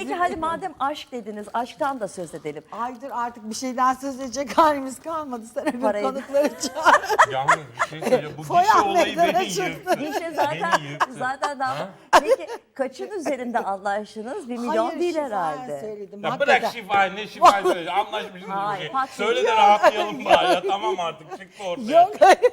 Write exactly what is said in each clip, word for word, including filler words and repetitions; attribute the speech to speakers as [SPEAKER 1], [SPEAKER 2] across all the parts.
[SPEAKER 1] Peki hadi madem aşk dediniz, aşktan da söz edelim.
[SPEAKER 2] Aydır artık bir şeyden söz edecek halimiz kalmadı. Sen öbür
[SPEAKER 1] Parayı-
[SPEAKER 2] konukları çağır.
[SPEAKER 3] Yalnız bir şey söyleyeceğim. Bu
[SPEAKER 2] Foyan
[SPEAKER 3] gişe olayı
[SPEAKER 2] meydana
[SPEAKER 3] beni
[SPEAKER 2] çıktı.
[SPEAKER 3] yıktı.
[SPEAKER 1] Gişe zaten
[SPEAKER 3] Beni yıktı.
[SPEAKER 1] zaten daha. Peki kaçın üzerinde anlaştınız? Bir milyon
[SPEAKER 2] Hayır,
[SPEAKER 1] değil
[SPEAKER 2] şifayen
[SPEAKER 1] herhalde.
[SPEAKER 2] söyledim.
[SPEAKER 3] Ya
[SPEAKER 2] Hakikaten.
[SPEAKER 3] bırak şifayı ne şifayı söyle. Anlaşmışsınız bir
[SPEAKER 1] Hayır,
[SPEAKER 3] şey.
[SPEAKER 1] pat-
[SPEAKER 3] Söyle de
[SPEAKER 2] Yok.
[SPEAKER 3] rahatlayalım bari ya. Tamam artık çıktı ortaya.
[SPEAKER 2] Yok hayır,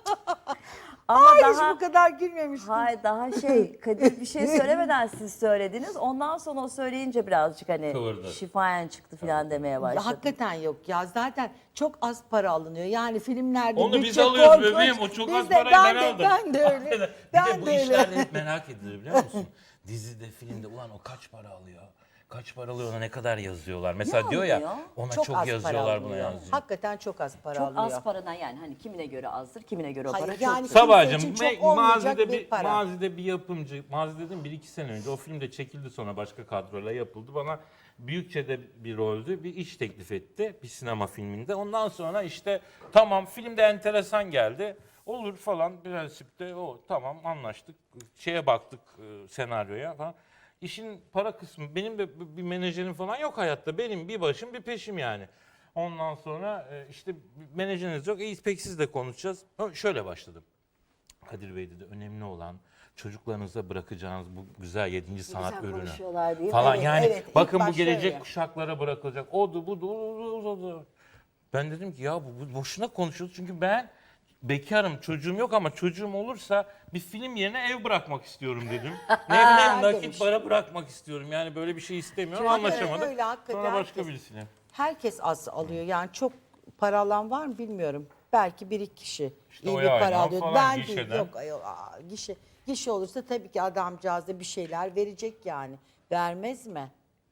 [SPEAKER 1] Ama
[SPEAKER 2] hiç
[SPEAKER 1] daha
[SPEAKER 2] bu kadar gülmemiştim.
[SPEAKER 1] hayır daha şey Kadir bir şey söylemeden siz söylediniz. Ondan sonra o söyleyince birazcık hani
[SPEAKER 3] Kıvırdı.
[SPEAKER 1] şifayen çıktı falan demeye
[SPEAKER 2] Ya,
[SPEAKER 1] başladı.
[SPEAKER 2] hakikaten yok ya. Zaten çok az para alınıyor. Yani filmlerde
[SPEAKER 3] Onu biz
[SPEAKER 2] bütçe
[SPEAKER 3] alıyoruz
[SPEAKER 2] korkunç.
[SPEAKER 3] bebeğim. O çok
[SPEAKER 2] Biz
[SPEAKER 3] az
[SPEAKER 2] de-
[SPEAKER 3] parayı ben,
[SPEAKER 2] ben de,
[SPEAKER 3] aldım.
[SPEAKER 2] Ben de öyle.
[SPEAKER 3] bir
[SPEAKER 2] ben
[SPEAKER 3] de bu
[SPEAKER 2] de öyle.
[SPEAKER 3] işlerde hep merak edilir biliyor musun? Dizide, filmde ulan o kaç para alıyor? Kaç para alıyor ona ne kadar yazıyorlar? Mesela
[SPEAKER 1] Ne
[SPEAKER 3] diyor
[SPEAKER 1] alıyor?
[SPEAKER 3] ya ona
[SPEAKER 2] Çok
[SPEAKER 3] çok,
[SPEAKER 2] az para
[SPEAKER 3] yazıyorlar buna
[SPEAKER 2] alınıyor.
[SPEAKER 3] yazıyor.
[SPEAKER 2] Hakikaten çok az para
[SPEAKER 1] Çok
[SPEAKER 2] alıyor.
[SPEAKER 1] az paradan yani hani kimine göre azdır, kimine göre o
[SPEAKER 2] Hayır,
[SPEAKER 1] para çok.
[SPEAKER 2] yani kimse
[SPEAKER 3] Sabahcığım
[SPEAKER 2] için
[SPEAKER 3] me-
[SPEAKER 2] çok olmayacak
[SPEAKER 3] mazide
[SPEAKER 2] bir
[SPEAKER 3] bir,
[SPEAKER 2] para.
[SPEAKER 3] mazide bir yapımcı, mazide dedim bir iki sene önce o film de çekildi sonra başka kadroyla yapıldı. Bana büyükçede bir roldü, bir iş teklif etti bir sinema filminde. Ondan sonra işte tamam filmde enteresan geldi. Olur falan prensipte o tamam anlaştık. Şeye baktık e, senaryoya falan. İşin para kısmı benim de bir menajerim falan yok hayatta. Benim bir başım bir peşim yani. Ondan sonra e, işte menajeriniz yok. İyi peki siz de konuşacağız. Ha, Şöyle başladım. Kadir Bey dedi önemli olan çocuklarınıza bırakacağınız bu güzel yedinci sanat
[SPEAKER 1] güzel
[SPEAKER 3] ürünü
[SPEAKER 1] konuşuyorlar değil mi?
[SPEAKER 3] falan
[SPEAKER 2] Evet,
[SPEAKER 3] yani
[SPEAKER 2] evet. İlk
[SPEAKER 3] bakın bu
[SPEAKER 2] başta
[SPEAKER 3] gelecek
[SPEAKER 2] öyle.
[SPEAKER 3] kuşaklara bırakılacak. Odu budu odu, odu, odu. Ben dedim ki ya bu, bu boşuna konuşuyoruz çünkü ben bekarım çocuğum yok ama çocuğum olursa bir film yerine ev bırakmak istiyorum dedim. ne bileyim nakit
[SPEAKER 2] demiş.
[SPEAKER 3] para bırakmak istiyorum yani böyle bir şey istemiyorum
[SPEAKER 2] Çünkü
[SPEAKER 3] anlaşamadık.
[SPEAKER 2] öyle, hakikaten
[SPEAKER 3] Sonra başka
[SPEAKER 2] herkes-
[SPEAKER 3] birisine.
[SPEAKER 2] Herkes az alıyor. Yani çok para alan var mı bilmiyorum. Belki bir iki kişi
[SPEAKER 3] İşte
[SPEAKER 2] iyi
[SPEAKER 3] o
[SPEAKER 2] bir para
[SPEAKER 3] yaylan
[SPEAKER 2] alıyor.
[SPEAKER 3] falan
[SPEAKER 2] Ben değil.
[SPEAKER 3] gişeden.
[SPEAKER 2] Yok ayol, aa, gişe. Gişe olursa tabii ki adamcağız da bir şeyler verecek yani. Vermez mi?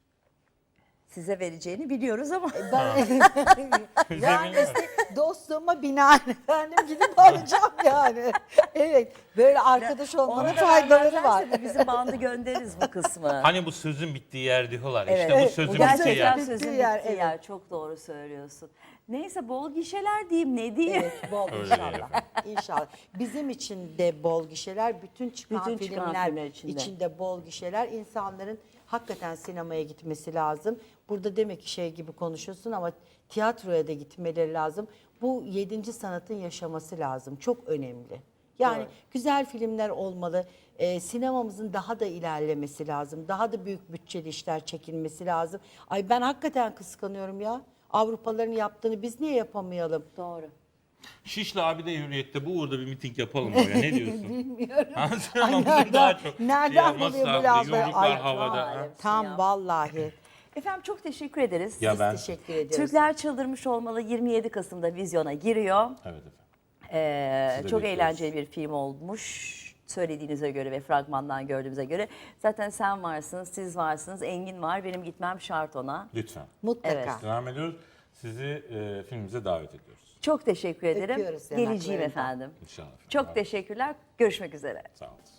[SPEAKER 1] Size vereceğini biliyoruz ama.
[SPEAKER 2] Ben
[SPEAKER 3] Bize
[SPEAKER 2] yani
[SPEAKER 3] bilmiyorum.
[SPEAKER 2] işte dostluğuma binaen efendim gidip alacağım yani. Evet. Böyle arkadaş olmanın
[SPEAKER 1] Ona
[SPEAKER 2] faydaları var.
[SPEAKER 1] Bizim bandı göndeririz bu kısmı.
[SPEAKER 3] Hani bu sözün bittiği yer diyorlar.
[SPEAKER 1] Evet,
[SPEAKER 3] İşte bu
[SPEAKER 1] evet.
[SPEAKER 3] sözün
[SPEAKER 1] Bu
[SPEAKER 3] bittiği
[SPEAKER 1] gerçekten
[SPEAKER 3] yer.
[SPEAKER 1] sözün
[SPEAKER 2] Bittiği
[SPEAKER 1] bittiği
[SPEAKER 2] yer,
[SPEAKER 1] yer.
[SPEAKER 2] evet.
[SPEAKER 1] Çok doğru söylüyorsun. Neyse bol gişeler diyeyim ne diyeyim.
[SPEAKER 2] Evet, bol
[SPEAKER 3] Öyle
[SPEAKER 2] inşallah.
[SPEAKER 3] efendim.
[SPEAKER 2] İnşallah. Bizim için de bol gişeler, bütün çıkan
[SPEAKER 1] Bütün çıkan
[SPEAKER 2] filmler
[SPEAKER 1] filmler içinde.
[SPEAKER 2] içinde bol gişeler. İnsanların hakikaten sinemaya gitmesi lazım. Burada demek ki şey gibi konuşuyorsun ama tiyatroya da gitmeleri lazım. Bu yedinci sanatın yaşaması lazım. Çok önemli. Yani
[SPEAKER 1] Doğru.
[SPEAKER 2] güzel filmler olmalı. Ee, sinemamızın daha da ilerlemesi lazım. Daha da büyük bütçeli işler çekilmesi lazım. Ay ben hakikaten kıskanıyorum ya. Avrupalıların yaptığını biz niye yapamayalım?
[SPEAKER 1] Doğru.
[SPEAKER 3] Şişli abi de Hürriyet'te bu uğurda bir miting yapalım oraya. Ne diyorsun?
[SPEAKER 2] Bilmiyorum.
[SPEAKER 3] Ama
[SPEAKER 2] Ay,
[SPEAKER 3] bizim
[SPEAKER 2] nereden-
[SPEAKER 3] daha çok
[SPEAKER 2] nereden
[SPEAKER 3] şey yapması
[SPEAKER 2] buluyor bu
[SPEAKER 3] lazım,
[SPEAKER 2] lafları?
[SPEAKER 3] Yumruklar
[SPEAKER 2] Ay,
[SPEAKER 3] havada.
[SPEAKER 1] vay.
[SPEAKER 3] ha.
[SPEAKER 2] Tam
[SPEAKER 1] Ya.
[SPEAKER 2] vallahi.
[SPEAKER 1] Efendim çok teşekkür ederiz.
[SPEAKER 3] Ya
[SPEAKER 2] Biz
[SPEAKER 3] ben
[SPEAKER 2] teşekkür ediyoruz.
[SPEAKER 1] Türkler Çıldırmış Olmalı yirmi yedi Kasım'da vizyona giriyor.
[SPEAKER 3] Evet efendim.
[SPEAKER 1] Ee,
[SPEAKER 3] Sizi de
[SPEAKER 1] çok
[SPEAKER 3] bekliyoruz.
[SPEAKER 1] eğlenceli bir film olmuş. Söylediğinize göre ve fragmandan gördüğümüze göre. Zaten sen varsınız, siz varsınız, Engin var. Benim gitmem şart ona.
[SPEAKER 3] Lütfen.
[SPEAKER 2] Mutlaka.
[SPEAKER 1] Evet.
[SPEAKER 3] Devam ediyoruz. Sizi e, filmimize davet ediyoruz.
[SPEAKER 1] Çok teşekkür ederim.
[SPEAKER 2] Öpüyoruz
[SPEAKER 1] Geleceğim
[SPEAKER 2] yanaklarından.
[SPEAKER 1] efendim.
[SPEAKER 3] İnşallah. efendim.
[SPEAKER 1] Çok teşekkürler. Görüşmek üzere.
[SPEAKER 3] Sağ olun.